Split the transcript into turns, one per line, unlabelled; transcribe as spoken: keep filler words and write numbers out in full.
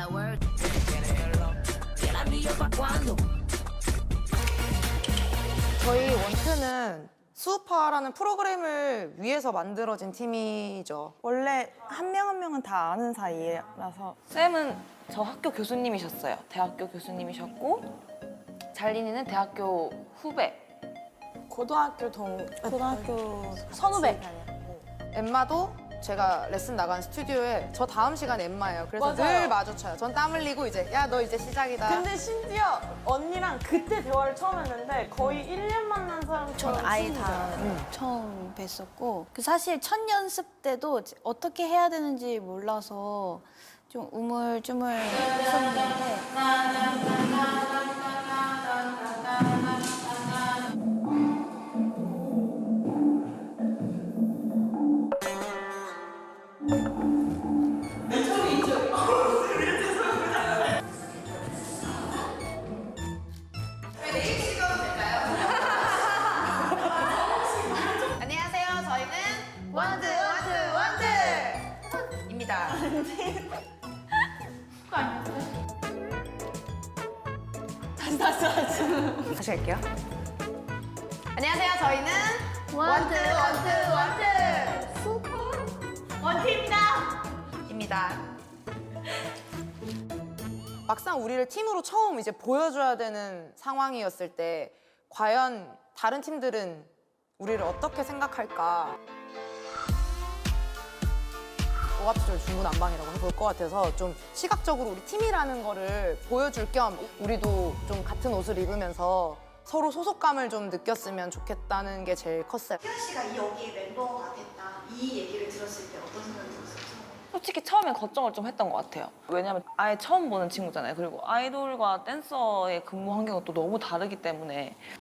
저희 원트는 수우파라는 프로그램을 위해서 만들어진 팀이죠.
원래 한 명 한 명은 다 아는 사이라서.
쌤은 저 학교 교수님이셨어요. 대학교 교수님이셨고 잘린이는 대학교 후배.
고등학교 동 고등학교 선후배.
엠마도 제가 레슨 나간 스튜디오에 저 다음 시간 엠마예요. 그래서
맞아요.
늘 마주쳐요. 전 땀 흘리고 이제 야 너 이제 시작이다.
근데 심지어 언니랑 그때 대화를 처음 했는데 거의 일 년 만난 사람처럼
전 아예
친구죠.
다 처음 뵀었고 그 사실 첫 연습 때도 어떻게 해야 되는지 몰라서 좀 우물쭈물 했었는데
안녕하세요. 저희는 원트 원트 원트입니다.
다시 다시 다시.
다시 할게요. 안녕하세요. 저희는 원트 원트 원트 슈퍼 원트입니다. 입니다. 막상 우리를 팀으로 처음 이제 보여줘야 되는 상황이었을 때 과연 다른 팀들은 우리를 어떻게 생각할까? 오합지졸 중구난방이라고 해볼 것 같아서 좀 시각적으로 우리 팀이라는 거를 보여줄 겸 우리도 좀 같은 옷을 입으면서 서로 소속감을 좀 느꼈으면 좋겠다는 게 제일 컸어요.
희연 씨가 이 여기에 멤버가 됐다 이 얘기를 들었을 때 어떤 생각이 들었어요?
솔직히 처음엔 걱정을 좀 했던 것 같아요. 왜냐면 아예 처음 보는 친구잖아요. 그리고 아이돌과 댄서의 근무 환경은 또 너무 다르기 때문에